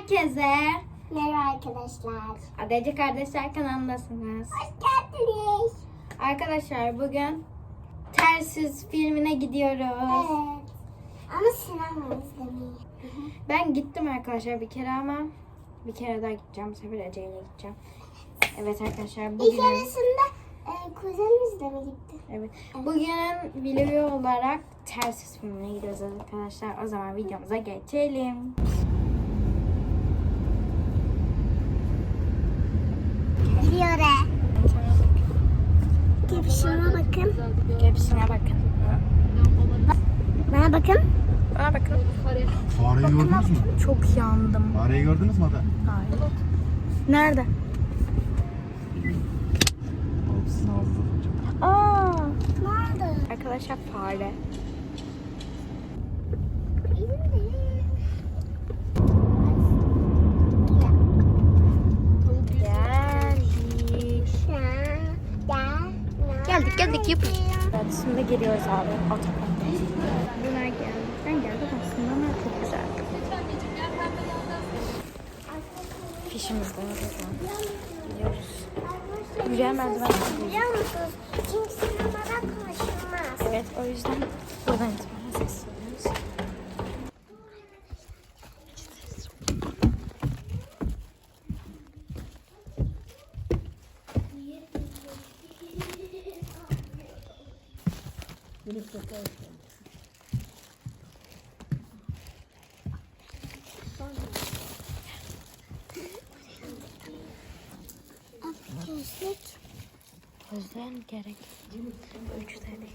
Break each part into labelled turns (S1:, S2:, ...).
S1: herkese.
S2: Merhaba arkadaşlar.
S1: Adacı Kardeşler kanalındasınız.
S2: Hoş geldiniz.
S1: Arkadaşlar bugün Tersiz filmine gidiyoruz.
S2: Evet. Ama sinema izlemeyi.
S1: Ben gittim arkadaşlar bir kere ama bir kere daha gideceğim. Bu sefer Ece ile gideceğim. Evet arkadaşlar
S2: İlk
S1: bugün...
S2: arasında kuzenimizle mi gitti?
S1: Evet. Bugün video olarak Tersiz filmine gidiyoruz arkadaşlar. O zaman videomuza geçelim.
S2: Gidiyor he. Gepişime bakın.
S1: Hepsine bakın.
S2: Bana bakın.
S1: Bana bakın.
S3: Fareyi gördünüz mü?
S1: Çok yandım.
S3: Fareyi gördünüz mü Ada?
S1: Hayır. Nerede? Aa,
S2: Nerede?
S1: arkadaşlar fare. Geldik yapın. Evet, şimdi geliyoruz abi otoparka. Bunlar geldi. Ben geldim aslında ama çok güzel. Fişimiz de var şu an. Gidiyoruz. Güzel merdiven.
S2: Biliyor musunuz? Çünkü sinemada konuşulmaz.
S1: Evet, o yüzden buradan itibaren sesleniyoruz.
S2: Gözlük.
S1: Gözler gerek. 3 tane.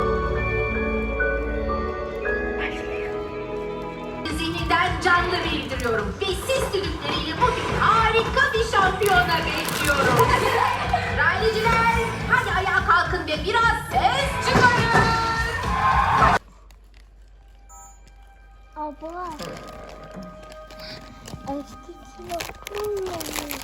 S4: Zihninden canlı bildiriyorum ve siz düdükleriyle bugün harika bir şampiyona bekliyorum. Rayliciler, hadi ayağa kalkın ve biraz ses çıkarın.
S2: Abla. Eski lokummuş.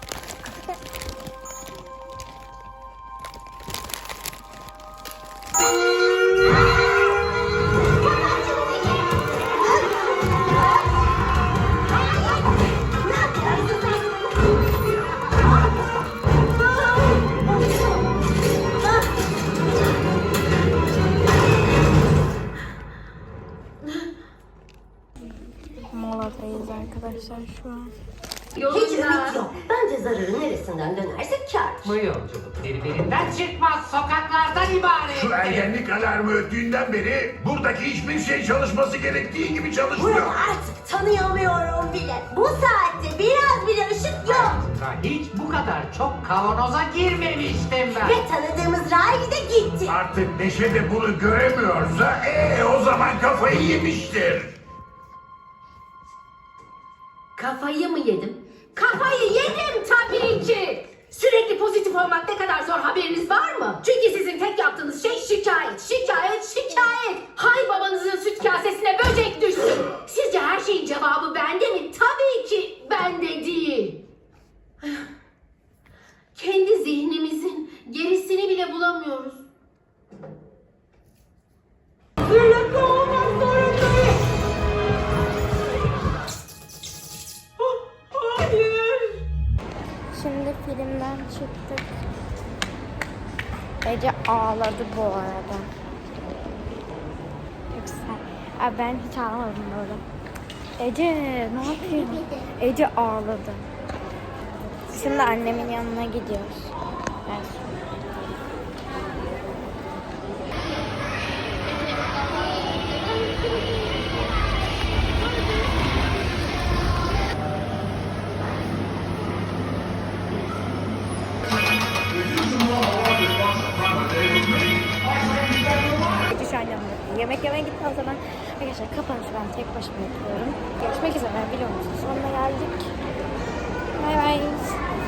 S1: Moladayız arkadaşlar şu an.
S5: Hiç ümit yok. Bence zararı neresinden dönerse kâr.
S6: Bu yolculuk birbirinden çıkmaz sokaklardan ibaret.
S7: Şu ergenlik alarmı öttüğünden beri buradaki hiçbir şey çalışması gerektiği gibi çalışmıyor.
S5: Bunu artık tanıyamıyorum bile. Bu saatte biraz bile ışık yok.
S6: Hayatımda hiç bu kadar çok kavanoza girmemiştim ben.
S5: Ve tanıdığımız Riley de gitti.
S7: Artık Neşe de bunu göremiyorsa o zaman kafayı yemiştir.
S4: Kafayı mı yedim? Kafayı yedim tabii ki. Sürekli pozitif olmak ne kadar zor haberiniz var mı? Çünkü sizin tek yaptığınız şey şikayet, şikayet, şikayet. Hay babanızın süt kasesine böcek düşsün. Sizce her şeyin cevabı bende mi? Tabii ki bende değil. Kendi zihnimizin gerisini bile bulamıyoruz. Birlikte olmak zorundayız. Hayır.
S1: Şimdi filmden çıktık. Ece ağladı bu arada. Çok güzel. Abi ben hiç ağlamadım böyle. Ece ne yapıyorsun? Ece ağladı. Şimdi annemin yanına gidiyoruz. Evet. Ece şu an yanımda. Yemek yemeye gitti o zaman. Arkadaşlar kapanışı ben tek başıma yapıyorum. Görüşmek üzere. Vlogumuzun sonuna geldik. Bay bay.